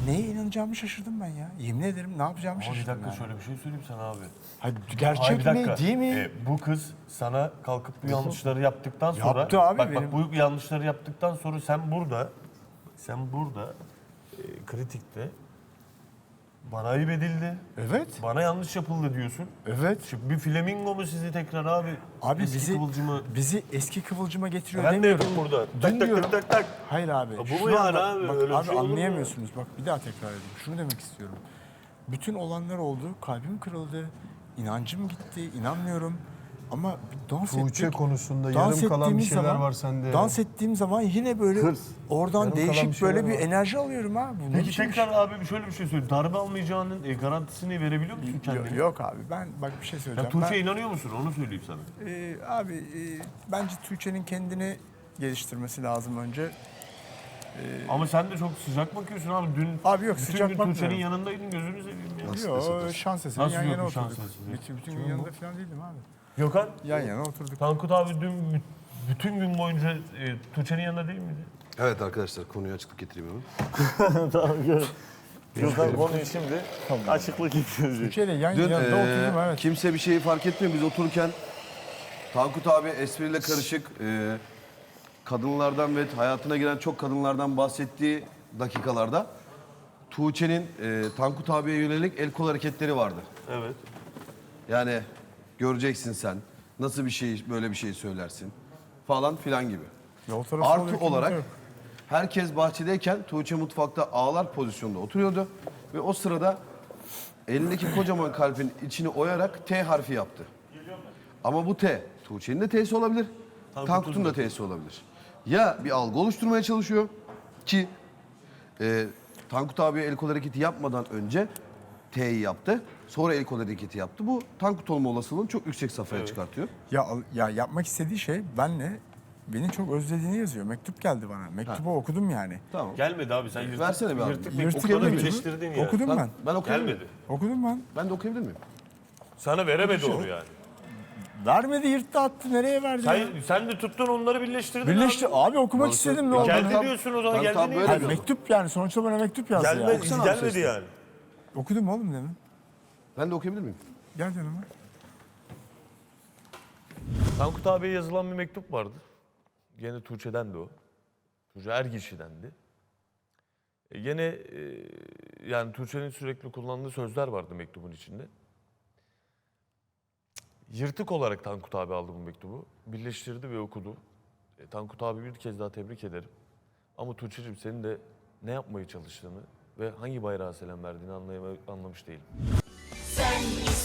neye inanacağımı şaşırdım ben ya. Yemin ederim ne yapacağımı Ama bir şaşırdım dakika yani. şöyle bir şey söyleyeyim sana abi. Hayır, Ay, gerçek bir dakika. mi değil mi? Bu kız sana kalkıp bu yanlışları yaptıktan sonra... Yaptı abi bak, benim. bu yanlışları yaptıktan sonra sen burada kritikte bana ayıp edildi. Evet. Bana yanlış yapıldı diyorsun. Evet. Şimdi bir flamingo mu sizi tekrar abi? Abi Eski kıvılcımı. bizi eski kıvılcıma getiriyor Ben de demiyorum. yapayım burada. Dün Tak tak diyorum. tak tak tak. Hayır abi. bu şunu mu yani anla- abi? Bak, Öyle bir abi şey olur mu? anlayamıyorsunuz. Bak bir daha tekrar edeyim. Şunu demek istiyorum. Bütün olanlar oldu. Kalbim kırıldı. İnancım gitti. İnanmıyorum. Ama bir dans Tuğçe ettik. konusunda Dans yarım kalan bir ettiğimiz şeyler zaman- var sende. Dans ettiğim zaman yine böyle Hırs. oradan Yarım kalan bir değişik şeyler böyle bir var. enerji alıyorum abi. Bu ne Peki biçim iş? tekrar abi şöyle bir şey söyleyeyim. Darbe almayacağının garantisini verebiliyor musun kendine? Yok abi ben bak bir şey Ya söyleyeceğim. Tuğçe'ye inanıyor musun? Onu söyleyeyim sana. Abi bence Tuğçe'nin kendini geliştirmesi lazım önce. Ama sen de çok sıcak bakıyorsun abi. Dün Abi yok, bütün sıcak gün bakmıyorum. Tuğçe'nin yanındaydın, gözünü seveyim ya. Yok şans eseri Nasıl yan yok yana bu şans oturduk. eseri? Bütün gün yanında falan değildim abi. Gökhan, Yan yana oturduk. Tankut abi dün bütün gün boyunca Tuğçe'nin yanında değil miydi? Evet arkadaşlar konuya açıklık getireyim hemen. Gökhan konuyu şimdi açıklık getirecek. Tuğçe'yle yan Dün yanında oturdum evet. kimse bir şeyi fark etmiyor. Biz otururken Tankut abi espriyle karışık kadınlardan ve hayatına giren çok kadınlardan bahsettiği dakikalarda Tuğçe'nin Tankut abiye yönelik el kol hareketleri vardı. Evet. Yani göreceksin sen nasıl bir şey böyle bir şey söylersin falan filan gibi. Ya o tarafı Artı oluyor, olarak yok. herkes bahçedeyken Tuğçe mutfakta ağlar pozisyonda oturuyordu. Ve o sırada elindeki kocaman kalbin içini oyarak T harfi yaptı. Ama bu T, Tuğçe'nin de T'si olabilir, Tankut'un da T'si olabilir. Ya bir algı oluşturmaya çalışıyor ki Tankut abiye el kol hareketi yapmadan önce T'yi yaptı. Sonra el kol hareketi yaptı. Bu Tankut olma olasılığını çok yüksek safhaya çıkartıyor. Ya yapmak istediği şey benle beni çok özlediğini yazıyor. Mektup geldi bana. Mektubu okudum yani. Tamam. Gelmedi abi sen yırtık. Versene bir abi. Yırtık Yırtık bir okula mektubu. birleştirdin ya. Okudum ben. Ben okuyabilir miyim? Gelmedi. Okudum ben. Ben de okuyabilir miyim? Sana veremedi onu yani. Vermedi yırttı attı. Nereye verdi? ya? Sen de tuttun onları birleştirdin Birleşti. abi. Abi okumak istedim ne oldu? Geldi Tam- diyorsun o zaman tam geldi niye? böyle Hayır, diyorum. mektup yani sonuçta bana mektup yazdı ya. Gelmedi yani. Okudum oğlum demin. Ben de okuyabilir miyim? Gel yanıma. Tankut abiye yazılan bir mektup vardı. Gene Tuğçe'den de o. Tuğçe Ergişi'dendi. Gene yani Tuğçe'nin sürekli kullandığı sözler vardı mektubun içinde. Yırtık olarak Tankut abi aldı bu mektubu. Birleştirdi ve okudu. Tankut abi bir kez daha tebrik ederim. Ama Tuğçe'cim senin de ne yapmaya çalıştığını ve hangi bayrağa selam verdiğini anlamış değilim. Sen